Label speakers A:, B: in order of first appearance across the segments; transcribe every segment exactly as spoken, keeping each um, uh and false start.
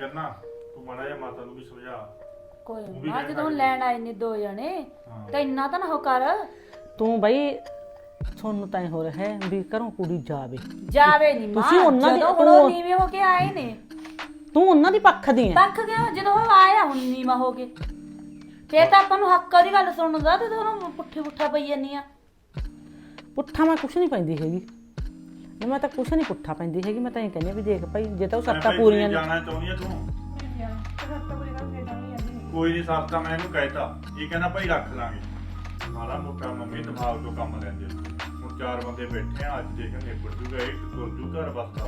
A: ਕਰਨਾ ਤੂੰ ਮਾੜਾ ਜਿਹਾ ਮਾਤਾ ਨੂੰ ਵੀ ਸਮਝਾ।
B: ਕੋਈ ਨਾ ਜਦੋਂ ਲੈਣ ਆਏ ਨੇ ਦੋ ਜਣੇ ਤਾਂ ਇੰਨਾ ਤਾਂ ਨਾ ਹੋ ਕਰ।
C: ਤੂੰ ਬਈ ਤੁਹਾਨੂੰ ਤਾਂ ਹੋ ਰਿਹਾ ਹੈ ਵੀ ਘਰੋਂ ਕੁੜੀ ਜਾਵੇ
B: ਜਾਵੇ ਨਹੀਂ ਮਾਂ,
C: ਤੁਸੀਂ ਉਹਨਾਂ ਦੀ-
B: ਜਦੋਂ ਹੁਣ ਉਹ ਨੀਵੇਂ ਹੋ ਕੇ ਆਏ ਨੇ।
C: ਤੂੰ ਉਹਨਾਂ ਦੀ ਪੱਖ ਦੀ ਹੈ।
B: ਪੱਖ ਗਿਆ ਜਦੋਂ ਉਹ ਆਇਆ ਹੁਣ ਨੀਵਾਂ ਹੋ ਕੇ, ਫੇਰ ਤਾਂ ਆਪਾਂ ਨੂੰ ਹੱਕ ਦੀ ਗੱਲ ਸੁਣਨ ਦਾ ਤੇ ਤੁਹਾਨੂੰ ਪੁੱਠੀ ਪੁੱਠਾ ਪਈ ਜਾਂਦੀ ਆ।
C: ਪੁੱਠਾ ਮੈਂ ਕੁਛ ਨਹੀਂ ਪੈਂਦੀ ਹੈਗੀ, ਮੈਂ ਤਾਂ ਕੁਛ ਨਹੀਂ ਪੁੱਠਾ ਪੈਂਦੀ ਹੈਗੀ। ਮੈਂ ਤਾਂ ਇਹ ਕਹਿੰਦੀ ਵੀ ਦੇਖ ਭਾਈ ਜੇ ਤਾਂ ਉਹ ਸੱਤਾਂ ਪੂਰੀਆਂ ਨੇ।
A: ਜਾਣਾ ਚਾਹੁੰਦੀ ਆ ਤੂੰ? ਕੋਈ ਨਹੀਂ ਸਰਤਾ ਮੈਂ ਇਹਨੂੰ ਕਹਿਤਾ, ਇਹ ਕਹਿੰਦਾ ਭਾਈ ਰੱਖ ਲਾਂਗੇ ਮਾੜਾ ਮੋਟਾ ਮੰਮੀ ਦਿਮਾਗ ਤੋਂ ਕੰਮ ਲੈਂਦੇ। ਹੁਣ ਚਾਰ ਬੰਦੇ ਬੈਠੇ ਆ, ਅੱਜ ਦੇਖਣ ਨਿਬੜ ਜੂਗਾ, ਇੱਕ ਤੁਰ ਜੂ ਘਰ ਬਸਦਾ।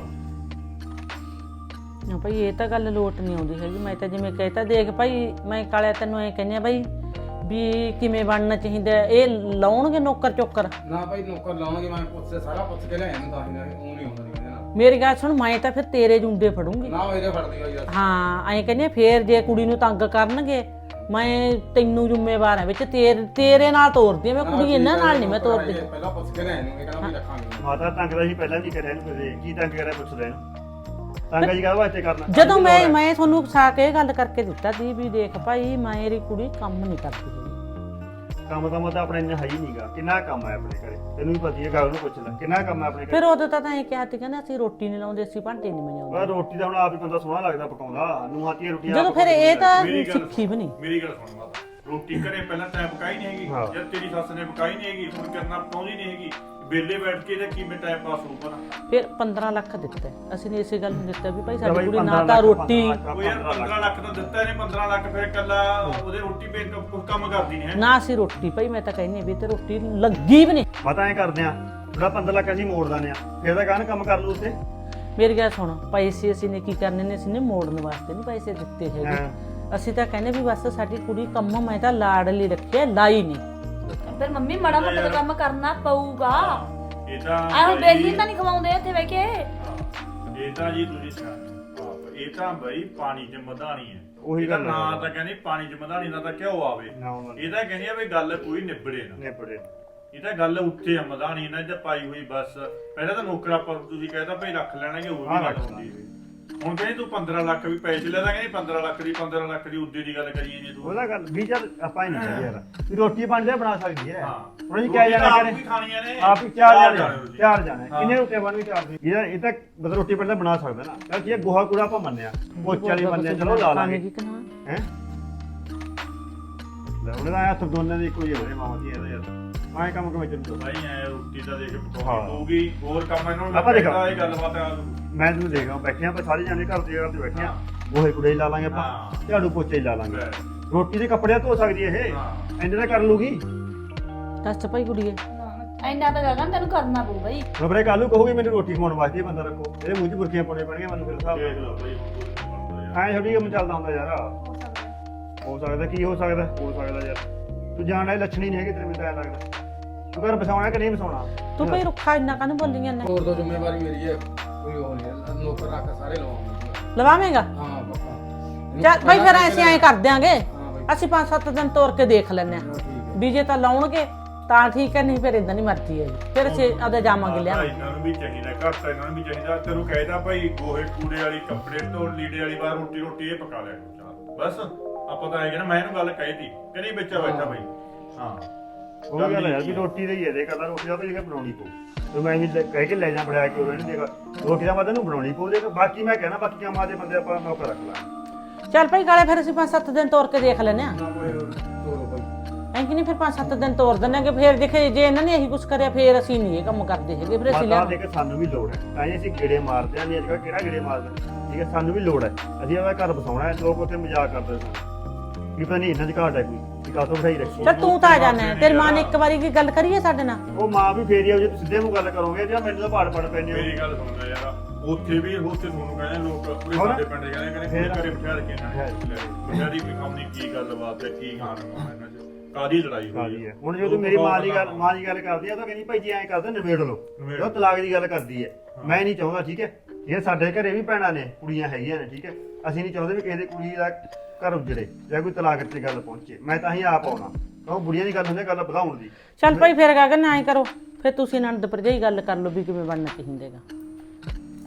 C: ਨਾ ਭਾਈ ਇਹ ਤਾਂ ਗੱਲ ਲੋਟ ਨਹੀਂ ਆਉਂਦੀ ਹੈਗੀ। ਮੈਂ ਤਾਂ ਜਿਵੇਂ ਕਹਿਤਾ ਦੇਖ ਭਾਈ ਮੈਂ ਕਾਲਿਆ ਤੈਨੂੰ ਐ ਕਹਿੰਦੀ ਆ ਭਾਈ ਵੀ ਕਿਵੇਂ ਬਣਨਾ ਚਾਹੀਦਾ। ਇਹ ਲਾਉਣਗੇ ਨੌਕਰ ਚੋਕਰ?
D: ਨਾ ਭਾਈ ਨੌਕਰ ਲਾਉਣਗੇ, ਮੈਂ ਪੁੱਛ ਸਾਰਾ ਪੁੱਛ ਕੇ ਲਿਆਇਆ ਨੂੰ ਤਾਂ ਹੀ ਉਹ ਨਹੀਂ ਹੁੰਦਾ ਨਹੀਂ ਨਾ।
C: ਮੇਰੀ ਗੱਲ ਸੁਣ, ਮੈਂ ਤਾਂ ਫਿਰ ਤੇਰੇ ਜੁੰਡੇ ਫੜੂੰਗੀ।
D: ਨਾ ਇਹਦੇ ਫੜਦੀ ਹੋਈ ਯਾਰ।
C: ਹਾਂ ਐਂ ਕਹਿੰਦੀ ਫੇਰ ਜੇ ਕੁੜੀ ਨੂੰ ਤੰਗ ਕਰਨਗੇ ਮੈਂ ਤੈਨੂੰ ਜ਼ਿੰਮੇਵਾਰ ਹਾਂ ਵਿੱਚ, ਤੇਰੇ ਤੇਰੇ ਨਾਲ ਤੋਰਦੀ ਮੈਂ ਕੁੜੀ, ਇਹਨਾਂ ਨਾਲ ਨਹੀਂ ਮੈਂ ਤੋਰਦੀ।
D: ਪਹਿਲਾਂ ਪੁੱਛ ਕੇ ਲਿਆਇਆ ਨੂੰ, ਇਹ ਕਹਿੰਦਾ ਵੀ ਰੱਖਾਂਗੇ।
E: ਮਾਤਾ ਤੰਗ ਦਾ ਸੀ ਪਹਿਲਾਂ ਵੀ ਕਰਿਆ ਇਹਨੂੰ, ਕੀ ਤੰਗ ਕਰਿਆ ਪੁੱਛ ਲੈ ਇਹਨੂੰ। ਤੰਗ ਜੀ ਕਾਹਦੇ ਵਾਸਤੇ ਕਰਨਾ?
C: ਜਦੋਂ ਮੈਂ ਮੈਂ ਤੁਹਾਨੂੰ ਉਕਸਾ ਕੇ ਇਹ ਗੱਲ ਕਰਕੇ ਦਿੱਤਾ ਸੀ ਵੀ ਦੇਖ ਭਾਈ ਮੇਰੀ ਕੁੜੀ ਕੰਮ ਨਹੀਂ ਕਰਦੀ ਹੈਗੀ।
E: ਕੰਮ ਤਾਂ ਮਤਾ ਆਪਣੇ ਇੰਨਾ ਹੈ ਹੀ ਨਹੀਂਗਾ। ਕਿੰਨਾ ਕੰਮ ਹੈ ਆਪਣੇ ਘਰੇ ਤੈਨੂੰ ਵੀ ਪਤਾ ਹੀ ਹੈ, ਗੱਲ ਨੂੰ ਪੁੱਛ ਲੈ ਕਿੰਨਾ ਕੰਮ ਹੈ ਆਪਣੇ ਘਰੇ।
C: ਫਿਰ ਉਦੋਂ ਤਾਂ ਤਾਂ ਇਹ ਕਿਹਾ ਸੀ ਕਹਿੰਦਾ ਅਸੀਂ ਰੋਟੀ ਨਹੀਂ ਲਾਉਂਦੇ, ਅਸੀਂ ਭਾਂਡੇ ਨਹੀਂ ਮੰਜਾਉਂਦੇ।
E: ਪਰ ਰੋਟੀ ਤਾਂ ਹੁਣ ਆਪ ਹੀ ਬੰਦਾ ਸੋਹਣਾ ਲੱਗਦਾ ਪਕਾਉਂਦਾ, ਨੂੰਹਾਂ ਧੀਆਂ ਰੋਟੀਆਂ
C: ਜਦੋਂ
E: ਆਪ
C: ਫਿਰ ਇਹ ਤਾਂ
A: ਮੇਰੀ ਗੱਲ
C: ਸਿੱਖੀ ਵੀ ਨਹੀਂ।
A: ਮੇਰੀ ਗੱਲ ਸੁਣ ਮਾਤਾ, ਰੋਟੀ ਘਰੇ ਪਹਿਲਾਂ ਤੈਂ ਪਕਾਈ ਨਹੀਂ ਹੈਗੀ,
E: ਹਾਂ।
A: ਜਦ ਤੇਰੀ ਸੱਸ ਨੇ ਪਕਾਈ ਨਹੀਂ ਹੈਗੀ, ਹੁਣ ਕਰਨਾ ਪਕਾਉਂਦੀ ਨਹੀਂ ਹੈਗੀ, ਵਿਹਲੇ ਬੈਠ ਕੇ ਇਹਦਾ ਕਿਵੇਂ ਟਾਈਮ ਪਾਸ ਹੋਊਗਾ ਨਾ।
C: ਫਿਰ ਪੰਦਰਾਂ ਲੱਖ ਦਿੱਤਾ ਅਸੀਂ ਨੇ ਇਸੇ ਗੱਲ ਨੂੰ ਦਿੱਤਾ ਵੀ ਭਾਈ
E: ਤਾਂ
C: ਸਾਡੀ
E: ਬਈ
C: ਕੁੜੀ ਨਾ
E: ਪੰਦਰਾਂ
C: ਤਾਂ
E: ਲੱਖ,
C: ਰੋਟੀ
E: ਪੰਦਰਾਂ
A: ਉਹ ਯਾਰ ਪੰਦਰਾਂ ਲੱਖ ਤਾਂ ਦਿੱਤਾ ਇਹਨੇ, ਪੰਦਰਾਂ ਲੱਖ ਫਿਰ ਇਕੱਲਾ ਉਹਦੇ ਰੋਟੀ ਪੇ ਕੁਝ ਕੰਮ ਕਰਦੀ ਨਹੀਂ ਹੈ।
C: ਨਾ ਅਸੀਂ ਰੋਟੀ ਭਾਈ ਮੈਂ ਤਾਂ ਕਹਿੰਦੀ ਵੀ ਤੇ ਰੋਟੀ ਲੱਗੀ ਵੀ ਨਹੀਂ।
E: ਪਤਾ ਐ ਕਰਦੇ ਆ ਥੋੜਾ ਪੰਦਰਾਂ ਲੱਖ ਅਸੀਂ ਮੋੜ ਦਾਨੇ ਆ, ਫਿਰ ਤਾਂ ਕਾਹਨ ਕੰਮ ਕਰ ਲੂ ਉੱਥੇ।
C: ਮੇਰੀ ਗੱਲ ਸੁਣ, ਪੈਸੇ ਅਸੀਂ ਨੇ ਕੀ ਕਰਨੇ ਨੇ, ਅਸੀਂ ਨੇ ਮੋੜਨ ਵਾਸਤੇ ਨਹੀਂ ਪੈਸੇ ਦਿੱਤੇ ਹੈਗੇ। ਅਸੀਂ ਤਾਂ ਕਹਿੰਦੇ ਵੀ ਬਸ ਸਾਡੀ ਕੁੜੀ ਕੰਮ ਮੈਂ ਤਾਂ ਲਾੜ ਲਈ ਰੱਖਿਆ, ਲਾਈ ਨਹੀਂ।
B: ਫਿਰ ਮੰਮੀ ਮਾੜਾ ਮੋਟਾ ਕੰਮ ਕਰਨਾ ਪਊਗਾ।
A: ਇਹ ਤਾਂ
B: ਆਹੋ ਬੇਲੀ ਤਾਂ ਨਹੀਂ ਖਵਾਉਂਦੇ ਇੱਥੇ ਬਹਿ ਕੇ।
A: ਇਹ ਤਾਂ ਜੀ ਤੁਸੀਂ ਸਿਆਣੇ, ਇਹ ਤਾਂ ਬਈ ਪਾਣੀ 'ਚ ਮਧਾਣੀ ਹੈ।
E: ਉਹੀ
A: ਇਹਦਾ
E: ਗੱਲ
A: ਨਾਂ ਤਾਂ ਕਹਿੰਦੀ ਪਾਣੀ 'ਚ ਮਧਾਣੀ ਨਾ ਤਾਂ ਕਿਉਂ ਆਵੇ।
E: ਨਾ ਉਹਨਾਂ
A: ਇਹ ਤਾਂ ਕਹਿੰਦੀ ਆ ਵੀ ਗੱਲ ਕੋਈ ਨਿਬੜੇ ਨਾ।
E: ਨੇ ਪੜੇ
A: ਇਹ ਤਾਂ ਗੱਲ ਉੱਥੇ ਆ ਮਧਾਣੀ ਨਾਲ ਜਾਂ ਪਾਈ ਹੋਈ ਬਸ। ਪਹਿਲਾਂ ਤਾਂ ਨੌਕਰ ਆਪਾਂ ਤੁਸੀਂ ਕਹਿੰਦਾ ਭਾਈ ਰੱਖ ਲੈਣਾ ਕਿ ਹੋਰ ਵੀ ਗੱਲ ਹੁੰਦੀ ਹੈ। ਹੁਣ ਕਹਿੰਦੀ ਤੂੰ ਪੰਦਰਾਂ ਲੱਖ ਵੀ ਪੈਸੇ ਲੈ ਦਾਂਗੇ, ਪੰਦਰਾਂ ਲੱਖ ਦੀ ਪੰਦਰਾਂ ਲੱਖ ਦੀ ਉੱਦੇ ਦੀ ਗੱਲ ਕਰੀਏ ਜੀ ਤੂੰ।
E: ਉਹਦਾ ਗੱਲ ਵੀ ਚੱਲ ਆਪਾਂ ਹੀ ਨਹੀਂ ਯਾਰ ਵੀ ਰੋਟੀ ਪਾਣੀ ਦਾ ਬਣਾ ਸਕਦੀ ਹੈ।
A: ਹਾਂ
E: ਹੁਣ ਅਸੀਂ ਕਿਆ ਜਾਣਾ
A: ਆਪ
E: ਕਰੇ
A: ਵੀ ਖਾਣੀਆਂ ਨੇ,
E: ਆਪ ਹੀ ਚਾਰ ਜਾਣੇ
A: ਤੁਸੀਂ।
E: ਚਾਰ ਜਾਣੇ
A: ਹਾਂ।
E: ਕਿੰਨੇ ਰੋਟੀਆਂ ਬਣਨਗੇ? ਚਾਰ ਦੀ ਇਹ ਇਹ ਤਾਂ ਮਤਲਬ ਰੋਟੀ ਪਾਣੀ ਦਾ ਬਣਾ ਸਕਦਾ ਨਾ। ਤਾਂ ਕੀ ਗੋਹਾ ਕੂੜਾ ਆਪਾਂ ਮੰਨਿਆ, ਪੋਚੇ ਵਾਲੀ ਮੰਨਿਆ, ਚਲੋ ਲਾ ਲਾਂਗੇ ਹੈ। ਲੈ ਉਹਨੇ ਤਾਂ ਹੱਥ ਦੋਨਾਂ ਦੀ ਕੋਈ ਹੋਵੇ ਮਾਮਾ ਜੀ ਇਹਦਾ ਯਾਰ ਆਏ ਕੰਮ ਕਿਵੇਂ ਚੱਲੂ
A: ਭਾਈ ਐ ਰੋਟੀ ਤਾਂ ਦੇਖ
E: ਹਾਂ।
A: ਪਕਾਉਣੀ ਪਊਗੀ, ਹੋਰ ਕੰਮ ਇਹਨਾਂ ਨੂੰ
E: ਆਪਾਂ ਦੇਖੋ।
A: ਲੱਗਦਾ ਇਹ ਗੱਲਬਾਤ ਆ।
E: ਮੈਂ ਤੁਹਾਨੂੰ ਦੇਖ ਰਿਹਾ ਬੈਠੇ ਆਪਾਂ ਸਾਰੇ ਜਾਣੇ ਘਰ ਦੇ ਜਗ੍ਹਾ ਤੇ ਬੈਠੇ ਆ, ਗੋਹੇ ਕੂੜੇ ਲਾ ਲਾਂਗੇ ਆਪਾਂ,
A: ਹਾਂ।
E: ਝਾੜੂ ਪੋਚੇ ਲਾ ਲਾਂਗੇ।
A: ਬਸ।
E: ਰੋਟੀ ਦੇ ਕੱਪੜੇ ਧੋ ਸਕਦੀ ਹੈ ਇਹ,
A: ਹਾਂ।
E: ਇੰਨੇ ਤਾਂ ਕਰ ਲੂਗੀ।
C: ਦੱਸ ਭਾਈ ਕੁੜੀਏ
B: ਇੰਨਾ ਤਾਂ ਗਗਨ ਤੈਨੂੰ ਕਰਨਾ ਪਊ ਬਈ।
E: ਖਬਰੇ ਕੱਲੂ ਕਹੋਗੇ ਮੈਨੂੰ ਰੋਟੀ ਖਵਾਉਣ ਵਾਸਤੇ ਇਹ ਬੰਦਾ ਰੱਖੋ, ਇਹਦੇ ਮੂੰਹ 'ਚ ਬੁਰਕੀਆਂ ਪਾਉਣੇ ਪੈਣਗੀਆਂ ਮੈਨੂੰ ਫਿਰ ਹਿਸਾਬ
A: ਦੇਖ ਲਓ ਭਾਈ ਹੁਣ ਕੁਛ ਨੀ ਬਣਦਾ ਯਾਰ।
E: ਐਂ ਥੋੜੀ ਕੰਮ ਚੱਲਦਾ ਹੁੰਦਾ ਯਾਰ। ਹੋ ਸਕਦਾ ਕੀ ਹੋ ਸਕਦਾ ਹੋ ਸਕਦਾ ਯਾਰ ਤੂੰ ਜਾਣਦਾ ਇਹ ਲੱਛਣੀ ਨਹੀਂ ਹੈਗੇ ਤੇਰੇ, ਮੈਨੂੰ ਤਾਂ ਐਂ ਲੱਗਦਾ ਤੂੰ ਘਰ ਬਸਾਉਣਾ ਕਿ ਨਹੀਂ ਬਸਾਉਣਾ।
C: ਤੂੰ ਭਾਈ ਰੁੱਖਾ ਇੰਨਾ ਕਾਹਨੂੰ ਬੋਲੀਆਂ ਨੇ?
D: ਹੋਰ ਤੋਂ ਜ਼ਿੰਮੇਵਾਰੀ ਮੇਰੀ ਹੈ, ਕੋਈ ਉਹ ਨਹੀਂ। ਨੌਕਰ ਰੱਖ ਸਾਰੇ ਲਵਾਉਂਗੇ।
C: ਲਵਾਵੇਂਗਾ?
D: ਹਾਂ ਪੱਕਾ।
C: ਚੱਲ ਭਾਈ ਫਿਰ ਅਸੀਂ ਐਂ ਕਰ ਦਿਆਂਗੇ,
D: ਹਾਂ ਬਾਈ
C: ਅਸੀਂ ਪੰਜ ਸੱਤ ਦਿਨ ਤੋਰ ਕੇ ਦੇਖ ਲੈਂਦੇ
D: ਹਾਂ,
C: ਆ
D: ਠੀਕ ਹੈ।
C: ਵੀ ਜੇ ਤਾਂ ਲਾਉਣਗੇ ਤਾਂ ਠੀਕ ਹੈ, ਨਹੀਂ ਫਿਰ ਇਦਾਂ ਨਹੀਂ ਮਰਜ਼ੀ ਹੈ ਜੀ। ਫਿਰ ਅਸੀਂ ਆਪਦੇ ਜਾਵਾਂਗੇ ਲਿਆ।
A: ਇਹਨਾਂ ਨੂੰ ਵੀ ਚਾਹੀਦਾ, ਘਰ ਤਾਂ ਇਹਨਾਂ ਨੂੰ ਵੀ ਚਾਹੀਦਾ। ਤੈਨੂੰ ਕਹਿਦਾ ਭਾਈ ਗੋਹੇ ਕੂੜੇ ਵਾਲੀ, ਕੱਪੜੇ ਧੋ, ਲੀੜੇ ਵਾਲੀ ਬਾਹਰ ਰੋਟੀ ਰੋਟੀ ਇਹ ਪਕਾ ਲਿਆ ਕਰੋ। ਬਸ ਆਪਾਂ ਤਾਂ ਇਹ ਨਾ ਮੈਂ ਇਹਨੂੰ ਗੱਲ ਕਹਿਤੀ ਕਿ ਨਹੀਂ ਬੱਚਾ ਬੈਠਾ ਭਾਈ। ਹਾਂ
E: ਉਹ ਗੱਲ ਯਾਰ ਵੀ ਰੋਟੀ ਦੇ ਹੀ ਹੈ ਦੇ ਕਹਿੰਦਾ ਰੋਟੀ ਦਾ ਭਾਈ ਜੇ ਬਣਾਉਣੀ ਪਊ ਤੇ ਮੈਂ ਵੀ ਕਹਿ ਕੇ ਲੈ ਜਾ ਬਣਾ ਕੇ ਉਹ ਇਹਨੂੰ ਦੇਗਾ ਰੋਟੀ ਦਾ ਮਤਲਬ ਨੂੰ ਬਣਾਉਣੀ ਪਊ। ਦੇਖ ਬਾਕੀ ਮੈਂ ਕਹਿਣਾ ਬਾਕੀ ਕੰਮਾਂ ਦੇ ਬੰਦੇ ਆਪਾਂ ਨੌਕਰ ਰੱਖ ਲਾਂ।
C: ਚੱਲ ਭਾਈ ਕਾਲੇ ਫਿਰ ਅਸੀਂ ਪੰਜ ਸੱਤ ਦਿਨ ਤੋਰ ਕੇ ਦੇਖ ਲੈਂਦੇ ਆ।
D: ਨਾ ਕੋਈ ਤੋਰੋ ਭਾਈ।
C: ਐਂ ਕਿ ਨਹੀਂ ਫਿਰ ਪੰਜ ਸੱਤ ਦਿਨ ਤੋਰ ਦਿੰਦੇ ਕਿ ਫਿਰ ਦੇਖੇ ਜੇ ਇਹਨਾਂ ਨੇ ਇਹੀ ਕੁਛ ਕਰਿਆ ਫਿਰ ਅਸੀਂ ਨਹੀਂ ਇਹ ਕੰਮ ਕਰਦੇ ਹੈਗੇ, ਫਿਰ ਅਸੀਂ
E: ਮਾਤਾ
C: ਲਿਆ।
E: ਦੇਖ ਸਾਨੂੰ ਵੀ ਲੋੜ ਹੈ ਤਾਂ ਹੀ ਅਸੀਂ ਗੇੜੇ ਮਾਰਦੇ ਆਂ। ਨਹੀਂ ਅੱਜ ਕੱਲ੍ਹ ਕਿਹੜਾ ਗੇੜੇ ਮਾਰਦਾ ਠੀਕ ਹੈ, ਸਾਨੂੰ ਵੀ ਲੋੜ ਹੈ। ਅਸੀਂ ਆਪਣਾ ਘਰ ਬਸਾਉਣਾ ਹੈ। ਲੋਕ ਉੱਥੇ ਮਜ਼ਾਕ ਕਰਦੇ ਸਨ ਵੀ ਪਤਾ ਨਹੀਂ ਇਹਨਾਂ ਦੀ ਘਾਟ ਹੈ ਕੋਈ ਵੀ ਕਾਹਤੋਂ ਬਿਠਾਈ ਰੱਖੀ।
C: ਚੱਲ ਤੂੰ ਤਾਂ ਆ ਜਾਣਾ, ਤੇਰੀ ਮਾਂ ਨੇ ਇੱਕ ਵਾਰੀ ਕੀ ਗੱਲ ਕਰੀਏ ਸਾਡੇ ਨਾਲ?
E: ਉਹ ਮਾਂ ਵੀ ਫੇਰੀ ਆਉ ਜੇ ਤੁਸੀਂ ਸਿੱਧੇ ਮੂੰਹ ਗੱਲ ਕਰੋਗੇ ਜਾਂ ਮੈਨੂੰ ਤਾਂ ਪਾੜ ਪੜ ਪੈਣੇ ਹੋ।
A: ਮੇਰੀ ਗੱਲ ਸੁਣਦਾ ਯਾਰ, ਉੱਥੇ ਵੀ ਉੱਥੇ ਤੁਹਾਨੂੰ ਕਹਿੰਦੇ ਲੋਕ ਪੂਰੇ
E: ਹੋਰ?
A: ਸਾਡੇ ਪਿੰਡ ਦੇ ਕਹਿੰਦੇ ਕਹਿੰਦੇ
E: ਫੇਰ?
A: ਘਰੇ ਬਿਠਾ ਕੇ ਇਹਨਾਂ ਨੇ ਲੈ ਬਿਠਾ ਦੀ ਕੋਈ ਕੰਮ ਨਹੀਂ, ਕੀ ਗੱਲਬਾਤ ਹੈ, ਕੀ ਖਾਣ ਪਾਉਣਾ ਇਹਨਾਂ ਚ, ਕਾਦੀ ਲੜਾਈ ਹੋਈ
E: ਕਾਦੀ ਹੈ। ਹੁਣ ਜੇ ਤੂੰ ਮੇਰੀ ਮਾਂ ਦੀ ਗੱਲ ਮਾਂ ਦੀ ਗੱਲ ਕਰਦੀ ਆ ਤਾਂ ਕਹਿੰਦੀ ਭਾਈ ਜੀ ਐਂ ਕਰਦੇ ਨਿਬੇੜ ਲਓ। ਉਹ ਤਲਾਕ ਦੀ ਗੱਲ ਕਰਦੀ ਹੈ, ਮੈਂ ਨਹੀਂ ਚਾਹੁੰਦਾ ਠੀਕ ਹੈ। ਇਹ ਸਾਡੇ ਘਰੇ ਵੀ ਭੈਣਾਂ ਨੇ, ਕੁੜੀਆਂ ਹੈਗੀਆਂ ਨੇ ਠੀਕ ਹੈ। ਅਸੀਂ ਨਹੀਂ ਚਾਹੁੰਦੇ ਵੀ ਕਿਸੇ ਦੀ ਕੁੜੀ ਦਾ ਘਰ ਉਜੜੇ ਜਾਂ ਕੋਈ ਤਲਾਕ ਤੇ ਗੱਲ ਪਹੁੰਚੇ। ਮੈਂ ਤਾਂ ਹੀ ਆਪ ਆਉਣਾ, ਉਹ ਬੁੜੀਆਂ ਦੀ ਗੱਲ ਹੁੰਦੀ ਗੱਲ ਵਧਾਉਣ ਦੀ।
C: ਚੱਲ ਭਾਈ ਫਿਰ ਗਗਨ ਐਂ ਕਰੋ, ਫਿਰ ਤੁਸੀਂ ਨੰਦ ਭਰਜਾਈ ਗੱਲ ਕਰ ਲਓ ਵੀ ਕਿਵੇਂ ਬਣਨਾ ਚਾਹੀਦਾ ਹੈਗਾ।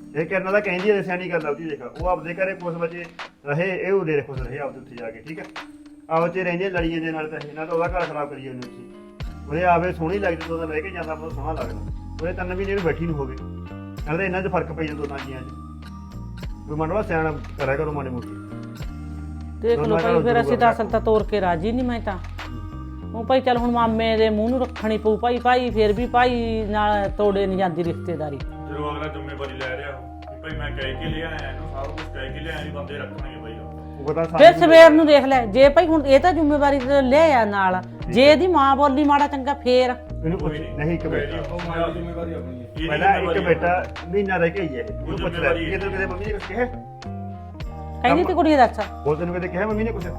E: ਇਹ ਕਰਨਾ ਤਾਂ ਕਹਿੰਦੀ ਹੈ ਸਿਆਣੀ ਗੱਲ ਆਉਦੀ ਦੇਖ ਉਹ ਆਪਦੇ ਘਰੇ ਕੁਛ ਬੱਚੇ ਰਹੇ ਇਹ ਉਰੇ ਖੁਸ਼ ਰਹੇ ਆਪਦੇ ਉੱਥੇ ਜਾ ਕੇ ਠੀਕ ਹੈ ਆਪ ਚ ਰਹਿੰਦੇ ਲੜੀਆਂ ਦੇ ਨਾਲ ਤਾਂ ਇਹਨਾਂ ਤਾਂ ਉਹਦਾ ਘਰ ਖਰਾਬ ਕਰੀ ਜਾਂਦੇ ਤੁਸੀਂ ਉਹਦੇ ਆਵੇ ਸੋਹਣੀ ਲੱਗਦੀ ਤੋਂ ਰਹਿ ਕੇ ਜਾਂਦਾ ਮੈਨੂੰ ਸੋਹਣਾ ਲੱਗਦਾ ਉਹਦੇ ਤਿੰਨ ਮਹੀਨੇ ਨੂੰ ਬੈਠੀ ਨੂੰ ਹੋਵੇ ਨਾਲੇ ਇਹਨਾਂ 'ਚ ਫਰਕ ਪਈ ਜਾਂਦਾ ਦੋਨਾਂ ਜੀਆਂ 'ਚ ਕੋਈ ਮੰਡਵਾ ਸਿਆਣਾ ਕਰਿਆ ਕਰੋ ਮਾੜੀ ਮੋਟੀ
C: ਦੇਖ ਲਓ ਭਾਈ ਫਿਰ ਅਸੀਂ ਤਾਂ ਅਸਲ ਤਾਂ ਤੋਰ ਕੇ ਰਾਜੀ ਨਹੀਂ ਮੈਂ ਤਾਂ ਉਹ ਭਾਈ ਚੱਲ ਹੁਣ ਮਾਮੇ ਦੇ ਮੂੰਹ ਨੂੰ ਰੱਖਣੀ ਪਊ ਭਾਈ ਭਾਈ ਫਿਰ ਵੀ ਭਾਈ ਨਾਲ ਤੋੜੇ ਨਹੀਂ ਜਾਂਦੀ ਰਿਸ਼ਤੇਦਾਰੀ
A: ਜਦੋਂ ਅਗਲਾ ਜ਼ਿੰਮੇਵਾਰੀ ਲੈ ਰਿਹਾ ਵੀ ਭਾਈ ਮੈਂ ਕਹਿ ਕੇ ਲਿਆ ਆਇਆ ਇਹਨੂੰ ਸਾਰਾ ਕੁਝ ਕਹਿ ਕੇ ਲਿਆ ਆਇਆ ਬੰਦੇ ਰੱਖਣਗੇ ਭਾਈ ਉਹ
E: ਉਹ ਤਾਂ
C: ਫਿਰ ਸਵੇਰ ਨੂੰ ਦੇਖ ਲੈ ਜੇ ਭਾਈ ਹੁਣ ਇਹ ਤਾਂ ਜ਼ਿੰਮੇਵਾਰੀ ਤੇ ਲੈ ਆ ਨਾਲ ਜੇ ਇਹਦੀ ਮਾਂ ਬੋਲੀ ਮਾੜਾ ਚੰਗਾ ਫੇਰ
E: ਇਹਨੂੰ ਪੁੱਛ ਨਹੀਂ ਇੱਕ ਬੇਟਾ
D: ਉਹ ਮਾਂ ਦੀ ਜ਼ਿੰਮੇਵਾਰੀ ਆਪਣੀ ਹੈ
E: ਪਹਿਲਾਂ ਇੱਕ ਬੇਟਾ ਮਹੀਨਾ ਰਹਿ ਕੇ ਹੀ ਹੈ ਇਹ ਉਹਨੂੰ ਪੁੱਛ ਲੈ ਕਿਤੇ ਕਿਤੇ ਮੰਮੀ ਨੇ ਕੁਝ ਕਿਹਾ
C: ਕਹਿੰਦੀ ਤੇ ਕੁੜੀ ਦੱਸ
E: ਉਹ ਤੈਨੂੰ ਕਿਤੇ ਕਿਹਾ ਮੰਮੀ ਨੇ ਕੁਝ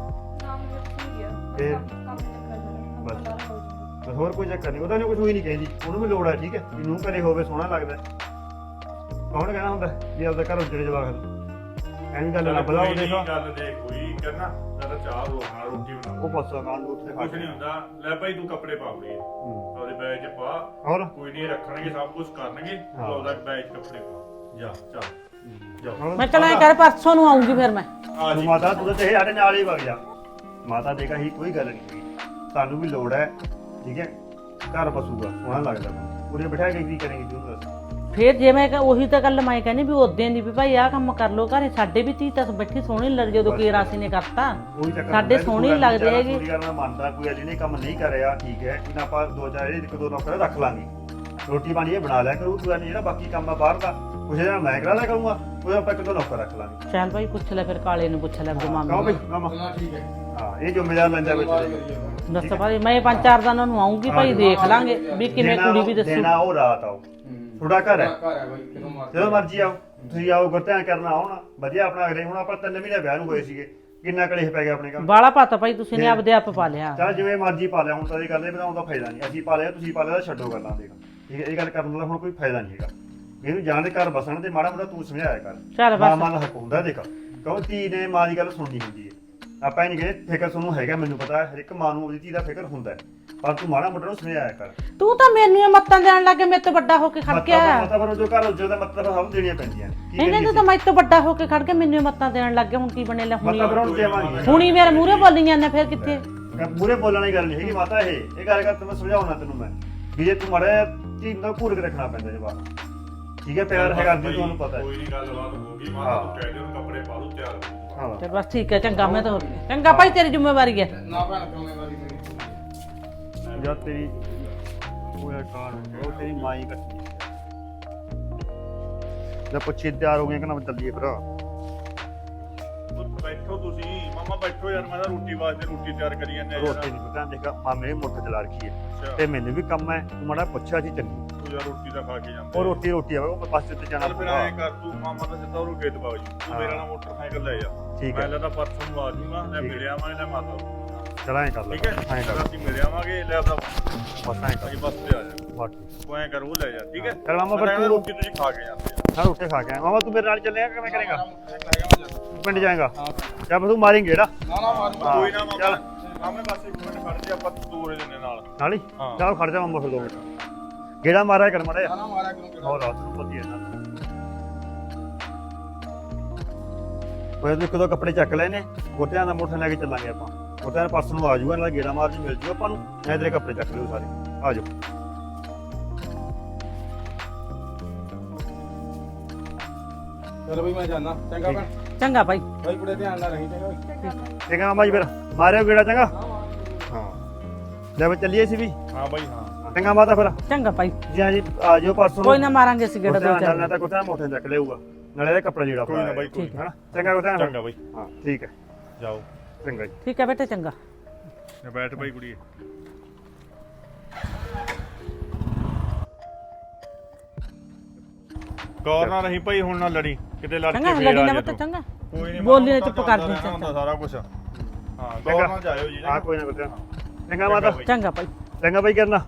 E: ਤੇ ਬਸ ਬਸ ਹੋਰ ਕੋਈ ਚੱਕਰ ਨਹੀਂ ਉਹਦਾ ਨੇ ਕੁਝ ਹੋਈ ਨਹੀਂ ਕਹਿੰਦੀ ਉਹਨੂੰ ਵੀ ਲੋੜ ਹੈ ਠੀਕ ਹੈ ਵੀ ਨੂੰ ਘਰੇ ਹੋਵੇ ਸੋਹਣਾ ਲੱਗਦਾ ਕੌਣ ਕਹਿਣਾ ਹੁੰਦਾ ਵੀ ਆਪਦਾ ਘਰ ਉੱਜੜੇ ਜਵਾਕ ਐਵੇਂ ਗੱਲ ਨਾ ਬਲਾਓ ਦੇਖੋ
A: ਗੱਲ ਦੇਖ ਕੋਈ ਕਰਨਾ ਜਦ ਚਾਹ ਰੋਣਾ ਰੋਟੀ ਬਣਾ
E: ਉਹ ਪਾਸਾ ਕਾਂਡ ਉੱਤੇ ਖਾ
A: ਕੁਝ ਨਹੀਂ ਹੁੰਦਾ ਲੈ ਭਾਈ ਤੂੰ ਕੱਪੜੇ ਪਾ ਲਈ ਉਹਦੇ ਬੈਗ 'ਚ ਪਾ
E: ਹੋਰ
A: ਕੋਈ ਨਹੀਂ ਰੱਖਣਗੇ ਸਭ ਕੁਝ ਕਰਨਗੇ ਤੂੰ ਉਹਦਾ ਬੈਗ 'ਚ ਕੱਪੜੇ ਪਾ ਜਾ ਚੱਲ ਜਾ
C: ਮੈਂ ਚਲ ਐ ਕਰ ਪਰਸੋਂ ਨੂੰ ਆਉਂਗੀ ਫਿਰ ਮੈਂ
A: ਆ ਜੀ
E: ਮਾਤਾ ਤੂੰ ਤਾਂ ਚਾਹੇ ਸਾਡੇ ਨਾਲ ਹੀ ਵਗ ਜਾ ਮਾਤਾ ਦੇਖਾ ਹੀ ਕੋਈ ਗੱਲ ਨਹੀਂ ਹੋਈ ਤੁਹਾਨੂੰ ਵੀ ਲੋੜ ਹੈ ਠੀਕ ਹੈ ਘਰ ਬਸੂਗਾ ਸੋਹਣਾ ਲੱਗਦਾ ਪੂਰੇ ਬਿਠਾ ਕੇ ਕੀ ਕਰੇਂਗੇ ਤੂੰ ਦੱਸ
C: ਫਿਰ ਜੇ ਮੈਂ ਕਿਹਾ ਉਹੀ ਤਾਂ ਗੱਲ ਮੈਂ ਕਹਿੰਦੀ ਵੀ ਉਦੋਂ ਦੀ ਵੀ ਭਾਈ ਆਹ ਕੰਮ ਕਰ ਲੋ ਘਰੇ ਸਾਡੇ ਵੀ ਧੀ ਤਾਂ ਬੈਠੀ ਸੋਹਣੀ ਲੱਗ ਜਦੋਂ ਕੀ ਰਾਸੀ ਨੇ ਕਰਤਾ
E: ਕੋਈ ਚੱਕਰ
C: ਸਾਡੇ ਸੋਹਣੀ ਲੱਗਦੇ ਹੈਗੇ
E: ਪੂਰੀ ਗੱਲ ਮੈਂ ਮੰਨਦਾ ਕੋਈ ਅਜੇ ਨੇ ਕੰਮ ਨਹੀਂ ਕਰਿਆ ਠੀਕ ਹੈ ਇਹਨਾਂ ਆਪਾਂ ਦੋ ਚਾਰ ਇਹਦੇ ਇੱਕ ਦੋ ਨੌਕਰ ਰੱਖ ਲਾਂਗੇ ਰੋਟੀ ਪਾਣੀ ਇਹ ਬਣਾ ਲਿਆ ਕਰੂ ਤੂੰ ਨਹੀਂ ਜਿਹੜਾ ਬਾਕੀ ਕੰਮ ਆ ਬਾਹਰ ਦਾ ਕੁਝ ਜਿਹੜਾ ਮੈਂ ਕਰਾ ਲਿਆ ਕਰੂੰਗਾ ਉਹ ਆਪਾਂ ਇੱਕ ਦੋ ਨੌਕਰ ਰੱਖ ਲਾਂਗੇ
C: ਚੱਲ ਭਾਈ ਪੁੱਛ ਲੈ ਫਿਰ ਕਾਲੇ ਨੂੰ ਪੁੱਛ ਲੈ ਆਪਣੇ
E: ਕਹੋ
C: ਮਾਮੇ
E: ਬਈ
C: ਨੂੰ
E: ਮਾਮਾ
D: ਹਾਂ ਠੀਕ ਹੈ
E: ਹਾਂ ਇਹ ਜ਼ਿੰਮੇਵਾਰ ਲੈਂਦਾ ਵਿੱਚ
C: ਦੱਸ ਭਾਈ ਮੈਂ ਪੰਜ ਚਾਰ ਦਿਨਾਂ ਨੂੰ ਆਉਂਗੀ ਭਾਈ ਦੇਖ ਲਾਂਗੇ ਵੀ ਕਿਵੇਂ ਕੁੜੀ ਵੀ ਦੱਸੂ
E: ਦੇਣਾ ਉਹ ਰਾਤ ਆਓ ਤੁਹਾਡਾ ਘਰ ਹੈ
D: ਘਰ ਹੈ ਬਾਈ ਕਿਦੋਂ ਮਾਰ
E: ਜਦੋਂ ਮਰਜ਼ੀ ਆਓ ਤੁਸੀਂ ਆਓ ਗੁਰਧਿਆਨ ਕਰਨਾ ਆਉਣਾ ਵਧੀਆ ਆਪਣਾ ਅਗਲੇ ਹੁਣ ਆਪਾਂ ਤਿੰਨ ਮਹੀਨੇ ਵਿਆਹ ਨੂੰ ਹੋਏ ਸੀਗੇ ਕਿੰਨਾ ਕਲੇਸ਼ ਪੈ ਗਿਆ ਆਪਣੇ ਕੰਮ
C: ਬਾਲਾ ਪਤਾ ਭਾਈ ਤੁਸੀਂ ਨੇ ਆਪਦੇ ਆਪ ਪਾ ਲਿਆ
E: ਚੱਲ ਜਿਵੇਂ ਮਰਜ਼ੀ ਪਾ ਲਿਆ ਹੁਣ ਤਾਂ ਇਹ ਗੱਲ ਇਹ ਬਣਾਉਣ ਦਾ ਫਾਇਦਾ ਨਹੀਂ ਅਸੀਂ ਪਾ ਲਿਆ ਤੁਸੀਂ ਪਾ ਲਿਆ ਤਾਂ ਛੱਡੋ ਗੱਲਾਂ ਦੇਖ ਠੀਕ ਹੈ ਇਹ ਗੱਲ ਕਰਨ ਦਾ ਹੁਣ ਕੋਈ ਫਾਇਦਾ ਨਹੀਂ ਹੈਗਾ ਇਹਨੂੰ ਜਾਣ ਦੇ ਘਰ ਬਸਣ ਤੇ ਮਾੜਾ ਮੋਟਾ ਤੂੰ ਸਮਝਾਇਆ ਕਰ
C: ਚੱਲ
E: ਮਾਂ
C: ਬਸ
E: ਮਾਂ ਦਾ ਹੱਕ ਹੁੰਦਾ ਦੇਖ ਕਿਉਂ ਧੀ ਨੇ ਮਾਂ ਦੀ ਗੱਲ ਸੁਣਨੀ ਹੁੰਦੀ ਹੈ ਆਪਾਂ ਇਹ ਨਹੀਂ ਕਹਿੰਦੇ ਫਿਕਰ ਤੁਹਾਨੂੰ ਹੈਗਾ ਮੈਨੂੰ ਪਤਾ ਹੈ ਹਰ ਇੱਕ ਮਾਂ ਨੂੰ ਉਹਦੀ ਧੀ ਦਾ ਫਿਕਰ ਹੁੰਦਾ ਹੈ ਪਰ ਤੂੰ ਮਾੜਾ ਮੋਟਾ ਨੂੰ ਸਮਝਾਇਆ ਕਰ
C: ਤੂੰ ਤਾਂ ਮੈਨੂੰ ਇਹ ਮੱਤਾਂ ਦੇਣ ਲੱਗੇ ਮੇਰੇ ਤੋਂ ਵੱਡਾ ਹੋ ਕੇ ਖੜ ਗਿਆ
E: ਮਤਲਬ ਜੋ ਘਰ ਉੱਜੋ ਦਾ ਮਤਲਬ ਸਭ ਦੇਣੀਆਂ ਪੈਂਦੀਆਂ ਕੀ
C: ਇਹਨੇ ਤੂੰ ਤਾਂ ਮੇਰੇ ਤੋਂ ਵੱਡਾ ਹੋ ਕੇ ਖੜ ਕੇ ਮੈਨੂੰ ਇਹ ਮੱਤਾਂ ਦੇਣ ਲੱਗੇ ਹੁਣ ਕੀ ਬਣੇ ਲੈ ਹੁਣੀ
E: ਮਤਲਬ ਹੁਣ ਦੇਵਾਂਗੇ
C: ਹੁਣੀ ਮੇਰੇ ਮੂਹਰੇ ਬੋਲੀ ਜਾਂਦੇ ਫਿਰ ਕਿੱਥੇ
E: ਮੂਰੇ ਬੋਲਣ ਦੀ ਗੱਲ ਨਹੀਂ ਹੈਗੀ ਮਾਤਾ ਇਹ ਇਹ ਗੱਲ ਕਰ ਤੈਨੂੰ ਸਮਝਾਉਣਾ ਤੈਨੂੰ ਮੈਂ ਵੀ ਜੇ ਤੂੰ ਮਾੜਾ ਧੀ ਦਾ ਘੂਰ ਕੇ ਰੱਖਣਾ ਪੈਂਦਾ ਜਵਾਬ ਠੀਕ ਹੈ ਪਿਆਰ ਹੈਗਾ ਜੀ ਤੁਹਾਨੂੰ ਪਤਾ ਹੈ
A: ਕੋਈ ਨਹੀਂ ਗੱਲਬਾਤ ਹੋ ਗਈ ਮਾਂ ਤੂੰ ਕਹਿ ਦੇ ਉਹਨੂੰ ਕੱਪੜੇ ਪਾ ਲੂ ਤਿਆਰ ਹੋ
E: ਹਾਂ
C: ਤੇ ਬਸ ਠੀਕ ਹੈ ਚੰਗਾ ਮੈਂ ਤਾਂ ਚੰਗਾ ਭਾਈ ਤੇਰੀ ਜ਼ਿੰਮੇਵਾਰੀ ਹੈ
D: ਨਾ ਭੈਣ ਜ਼ਿੰਮੇਵਾਰੀ ਮੇਰੀ
E: ਜਦ ਤੇਰੀ ਉਹ ਯਾਰ ਕਾਰ ਉਹ ਤੇਰੀ ਮਾਈ ਕੱਟੀ ਜਦ ਪੁੱਛੀ ਤਿਆਰ ਹੋ ਗਏ ਕਿ ਨਾ ਚੱਲੀਏ ਫਿਰ
A: ਬੈਠੋ ਤੁਸੀਂ ਮਾਮਾ ਬੈਠੋ ਯਾਰ ਮੈਂ ਤਾਂ ਰੋਟੀ ਵਾਸਤੇ ਰੋਟੀ ਤਿਆਰ ਕਰੀ ਜਾਂਦੇ ਯਾਰ
E: ਰੋਟੀ ਨਹੀਂ ਪਤਾ ਦੇਖਾ ਮਾਮੇ ਮੁੱਠ ਚਲਾ ਰੱਖੀ ਹੈ
A: ਅੱਛਾ
E: ਤੇ ਮੈਨੂੰ ਵੀ ਕੰਮ ਹੈ ਤੂੰ ਮਾੜਾ ਪੁੱਛਿਆ ਸੀ ਚੰਗੀ
A: ਤੂੰ ਯਾਰ ਰੋਟੀ ਤਾਂ ਖਾ ਕੇ ਜਾਂਦਾ
E: ਉਹ ਰੋਟੀ ਰੋਟੀ ਆਵੇ ਉਹ ਪਾਸੇ ਤੇ ਜਾਣਾ
A: ਚੱਲ ਫਿਰ ਐਂ ਕਰ ਤੂੰ ਮਾਮਾ ਦਾ ਸਿੱਧਾ ਉਹ ਖੇਤ ਬਾਗ ਜੀ ਤੂੰ ਮੇਰੇ ਨਾਲ ਮੋਟਰਸਾਈਕਲ ਲੈ ਜਾ
E: ਠੀਕ
A: ਮੈਂ
E: ਹੈ
A: ਲੈਦਾ ਪਰਸੋਂ ਨੂੰ ਆ ਜੂਗਾ ਲੈ
E: ਠੀਕ ਹੈ।
A: ਮਿਲਿਆ ਮੈਂ ਲੈ ਮਾਤਾ ਨੂੰ।
E: ਚਲਾ ਐਂ ਕਰ ਲੈ
A: ਠੀਕ ਹੈ
E: ਐਂ ਕਰ
A: ਅਸੀਂ ਮਿਲ ਆਵਾਂਗੇ ਲੈ ਆਪਦਾ
E: ਬਸ ਐਂ ਕਰ
A: ਅਸੀਂ ਬੱਸ ਤੇ ਆ ਜਾ
E: ਬਾਕੀ
A: ਤੂੰ ਐਂ ਕਰ ਉਹ ਲੈ ਜਾ ਠੀਕ ਹੈ
E: ਚੱਲ ਮਾਮਾ
A: ਮੈਂ
E: ਫਿਰ
A: ਕਹਿੰਦਾ
E: ਤੂੰ
A: ਰੋਟੀ ਤੁਸੀਂ ਖਾ ਕੇ ਜਾਂਦੇ ਆ
E: ਹਾਂ ਰੋਟੀ ਖਾ ਕੇ ਆਇਆ ਮਾਮਾ ਤੂੰ ਮੇਰੇ ਨਾਲ ਚੱਲੇਗਾ ਕਿਵੇਂ ਕਰੇਗਾ
D: ਨਾ
E: ਪਿੰਡ ਜਾਏਗਾ ਜਾਂ ਤੂੰ ਮਾਰੇਂਗੇ ਜਿਹੜਾ
D: ਨਾ ਮਾਰ
E: ਹਾਂ,
A: ਕੋਈ ਨਾ ਮਾਮਾ
E: ਚੱਲ।
A: ਮਾਮੇ ਬਸ ਇੱਕ ਮਿੰਟ ਖੜ ਜਾ ਆਪਾਂ ਤੋਰੇ ਦਿੰਦੇ ਨਾਲ
E: ਨਾਲ ਹੀ
A: ਹਾਂ।
E: ਚੱਲ ਖੜ ਜਾ ਮਾਮਾ ਫਿਰ ਦੋ ਮਿੰਟ ਗੇੜਾ ਮਾਰਿਆ ਕਰ ਮਾੜਾ ਜਿਹਾ
D: ਨਾ ਮਾਰਿਆ ਕਿਉਂ
E: ਹੋਰ ਰਾਤ ਨੂੰ ਪਤੀ ਹੈ ਨਾ ਉਹ ਇੱਕ ਦੋ ਕੱਪੜੇ ਚੱਕ ਲਏ ਨੇ ਗੋਟਿਆਂ ਦਾ ਮੋਟਰ ਲੈ ਕੇ ਚੱਲਾਂਗੇ ਆਪਾਂ ਗੋਟਿਆਂ ਦੇ ਪਰਸ ਨੂੰ ਆ ਜਾਊਗਾ ਨਾਲ ਗੇੜਾ ਮਾਰ ਜੀ ਮਿਲ ਜੂ ਆਪਾਂ ਨੂੰ ਮੈਂ ਤੇਰੇ ਕੱਪੜੇ ਚੱਕ ਲਿਓ ਸਾਰੇ ਆ ਜਾਓ
D: ਚਲ ਬਈ ਮੈਂ ਜਾਣਾ ਚੰਗਾ ਭੈਣ
C: ਚੰਗਾ ਭਾਈ
D: ਬਾਈ ਕੁੜੇ ਧਿਆਨ ਨਾਲ ਰਹੀ ਚੰਗਾ
E: ਠੀਕ ਆ ਮਾਮਾ ਜੀ ਫਿਰ ਮਾਰਿਓ ਗੇੜਾ ਚੰਗਾ ਹਾਂ ਲੈ ਬਈ ਚੱਲੀਏ ਸੀ ਵੀ
A: ਹਾਂ ਬਾਈ ਹਾਂ
E: ਚੰਗਾ ਮਾਤਾ ਫਿਰ
C: ਚੰਗਾ ਭਾਈ
E: ਜੀ ਹਾਂ ਜੀ ਆ ਜਾਓ ਪਰਸੋਂ
C: ਕੋਈ ਨਾ ਮਾਰਾਂਗੇ ਅਸੀਂ ਗੇੜਾ ਦੋ
E: ਚੱਲਣਾ
C: ਚਾਰ
E: ਤਾਂ ਗੋਟਿਆਂ ਮੋਟਰ ਚੱਕ ਲਿਆਊਗਾ ਨਾਲੇ ਇਹਦੇ ਕੱਪੜੇ ਜਿਹੜਾ
A: ਕੋਈ ਨਾ ਬਾਈ ਕੋਈ
C: ਠੀਕ
E: ਹੈ ਨਾ ਚੰਗਾ ਗੋਟਿਆਂ
A: ਚੰਗਾ ਬਾਈ
E: ਹਾਂ ਠੀਕ ਹੈ
A: ਜਾਓ
E: ਚੰਗਾ ਜੀ
C: ਠੀਕ ਹੈ ਬੇਟੇ ਚੰਗਾ
A: ਨਾ ਬੈਠ ਬਾਈ ਕੁੜੀਏ ਕੌਰ ਨਾ ਰਹੀ ਭਾਈ ਹੁਣ ਨਾ ਲੜੀ ਕਿਤੇ ਲੜ
C: ਚੰਗਾ
A: ਕੇ
C: ਲੱਗੀ
A: ਫੇਰ
C: ਨਾ
A: ਆ ਜਾ
C: ਬੱਤ ਚੰਗਾ
A: ਕੋਈ ਨਹੀਂ
C: ਬੋਲੀ ਨਾ ਚੁੱਪ ਕਰ ਦੇ
A: ਹੁੰਦਾ ਸਾਰਾ ਕੁਝ ਹਾਂ ਕੌਰ ਨਾਲ ਜਾਇਓ ਜੀ
E: ਹਾਂ ਕੋਈ ਨਾ ਗੋਟਿਆਂ ਚੰਗਾ ਮਾਤਾ
C: ਚੰਗਾ ਭਾਈ
E: ਚੰਗਾ ਬਾਈ ਕਰਨਾ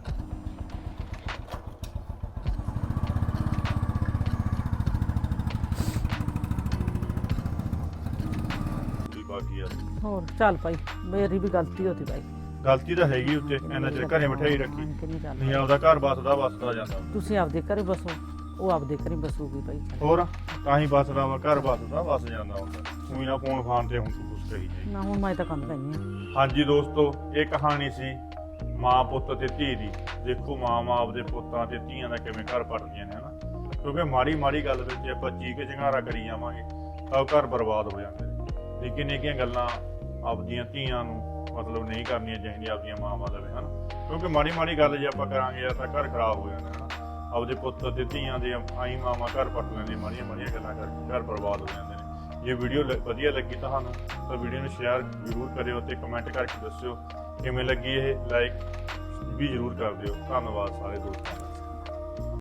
A: ਬਾਕੀ ਯਾਰ
C: ਹੋਰ ਚੱਲ ਭਾਈ ਮੇਰੀ ਵੀ ਗਲਤੀ ਹੋਤੀ ਭਾਈ
A: ਗਲਤੀ ਤਾਂ ਹੈਗੀ ਉੱਤੇ ਇਹਨਾਂ ਚਿਰ ਘਰੇ ਬਿਠਾਈ ਰੱਖੀ
C: ਕਿੰਨੀ ਚੱਲ
A: ਨਹੀਂ ਆਪਦਾ ਘਰ ਬਸਦਾ ਬਸਦਾ ਜਾਂਦਾ
C: ਤੁਸੀਂ ਆਪਦੇ ਘਰੇ ਬਸੋ ਉਹ ਆਪਦੇ ਘਰੇ ਬਸੂਗੀ ਭਾਈ
A: ਹੋਰ ਤਾਂ ਹੀ ਬਸਦਾ ਵਾ ਘਰ ਬਸਦਾ ਬਸ ਜਾਂਦਾ ਹੁੰਦਾ ਕੋਈ ਨਾ ਫੋਨ ਫਾਨ ਤੇ ਹੁਣ ਤੂੰ ਕੁਛ ਕਹੀ ਜਾਈਂ।
C: ਨਾ ਹੁਣ ਮੈਂ ਤਾਂ ਕੰਮ ਕਰਨੀ ਆ।
A: ਹਾਂਜੀ ਦੋਸਤੋ, ਇਹ ਕਹਾਣੀ ਸੀ ਮਾਂ ਪੁੱਤ ਤੇ ਧੀ ਦੀ। ਦੇਖੋ ਮਾਂ ਮਾਂ ਆਪਦੇ ਪੁੱਤਾਂ ਤੇ ਧੀਆਂ ਦਾ ਕਿਵੇਂ ਘਰ ਪੜਦੀਆਂ ਨੇ ਹਨਾ, ਕਿਉਂਕਿ ਮਾੜੀ ਮਾੜੀ ਗੱਲ ਵਿੱਚ ਆਪਾਂ ਚੀਕ ਚਿੰਗਾਰਾ ਕਰੀ ਜਾਵਾਂਗੇ ਤਾਂ ਉਹ ਘਰ ਬਰਬਾਦ ਹੋ ਜਾਂਦੇ ਨੇ। ਨਿੱਕੀਆਂ ਨਿੱਕੀਆਂ ਗੱਲਾਂ ਆਪਦੀਆਂ ਧੀਆਂ ਨੂੰ ਮਤਲਬ ਨਹੀਂ ਕਰਨੀਆਂ ਚਾਹੀਦੀਆਂ ਆਪਦੀਆਂ ਮਾਵਾਂ ਦਾ ਵੀ ਹਨਾ, ਕਿਉਂਕਿ ਮਾੜੀ ਮਾੜੀ ਗੱਲ ਜੇ ਆਪਾਂ ਕਰਾਂਗੇ ਤਾਂ ਘਰ ਖਰਾਬ ਹੋ ਜਾਂਦਾ ਹਨਾ। ਆਪਦੇ ਪੁੱਤ ਤੇ ਧੀਆਂ ਦੇ ਆਈ ਮਾਵਾਂ ਘਰ ਪੱਟ ਲੈਂਦੀਆਂ ਮਾੜੀਆਂ ਮਾੜੀਆਂ ਗੱਲਾਂ ਕਰਕੇ, ਘਰ ਬਰਬਾਦ ਹੋ ਜਾਂਦੇ ਨੇ। ਜੇ ਵੀਡੀਓ ਵਧੀਆ ਲੱਗੀ ਤੁਹਾਨੂੰ ਤਾਂ ਵੀਡੀਓ ਨੂੰ ਸ਼ੇਅਰ ਜ਼ਰੂਰ ਕਰਿਓ ਤੇ ਕਮੈਂਟ ਕਰਕੇ ਦੱਸਿਓ ਕਿਵੇਂ ਲੱਗੀ ਇਹ, ਲਾਈਕ ਵੀ ਜ਼ਰੂਰ ਕਰ ਦਿਓ। ਧੰਨਵਾਦ ਸਾਰੇ ਦੋਸਤਾਂ।